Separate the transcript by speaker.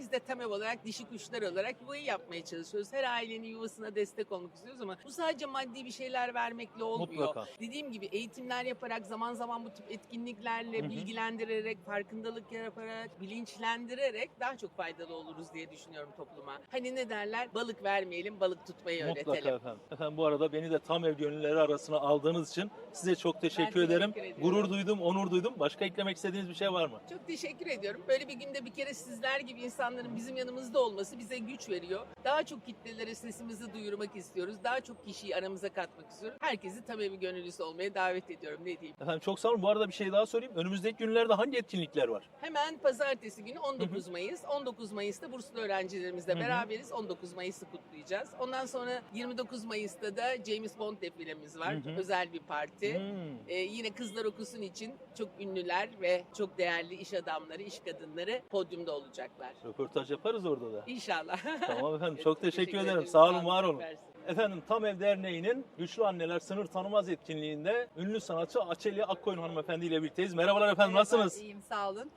Speaker 1: biz de temel olarak dişi kuşlar olarak yuvayı yapmaya çalışıyoruz. Her ailenin yuvasına destek olmak istiyoruz ama bu sadece maddi bir şeyler vermekle olmuyor.
Speaker 2: Mutlaka.
Speaker 1: Dediğim gibi eğitimler yaparak, zaman zaman bu tip etkinliklerle
Speaker 2: Hı hı.
Speaker 1: bilgilendirerek, farkındalık yaparak, bilinçlendirerek daha çok faydalı oluruz diye düşünüyorum topluma. Hani ne derler? Balık vermeyelim, balık tutmayı
Speaker 2: Mutlaka
Speaker 1: öğretelim.
Speaker 2: efendim. Efendim bu arada beni de tam ev gönüllüleri arasına aldığınız için size çok teşekkür
Speaker 1: teşekkür
Speaker 2: ederim.
Speaker 1: ediyorum.
Speaker 2: Gurur duydum, onur duydum. Başka eklemek istediğiniz bir şey var mı?
Speaker 1: Çok teşekkür ediyorum. Böyle bir günde bir kere sizler gibi insanların bizim yanımızda olması bize güç veriyor. Daha çok kitlelere sesimizi duyurmak istiyoruz. Daha çok kişiyi aramıza katmak istiyoruz. Herkesi tam evi gönüllüsü olmaya davet ediyorum. Ne diyeyim?
Speaker 2: Efendim çok sağ olun. Bu arada bir şey daha söyleyeyim. Önümüzdeki günlerde hangi etkinlikler var?
Speaker 1: Hemen pazartesi günü 19 Mayıs. 19 Mayıs'ta burslu öğrencilerimizle beraberiz. 19 Mayıs'ı kutlayacağız. Ondan sonra 29 Mayıs'ta da James Bond defilemiz var. Özel bir parti. Yine Kızlar Okusun için çok ünlüler ve çok değerli iş adamları, iş kadınları podyumda olacaklar.
Speaker 2: Röportaj yaparız orada da.
Speaker 1: İnşallah.
Speaker 2: Tamam efendim. Çok teşekkür ederim. Sağ olun, var olun.
Speaker 1: Süpersin.
Speaker 2: Efendim Tam Ev Derneği'nin Güçlü Anneler Sınır Tanımaz etkinliğinde ünlü sanatçı Açeli Akkoyun hanımefendi ile birlikteyiz. Merhabalar efendim, nasılsınız?
Speaker 3: İyiyim, sağ olun.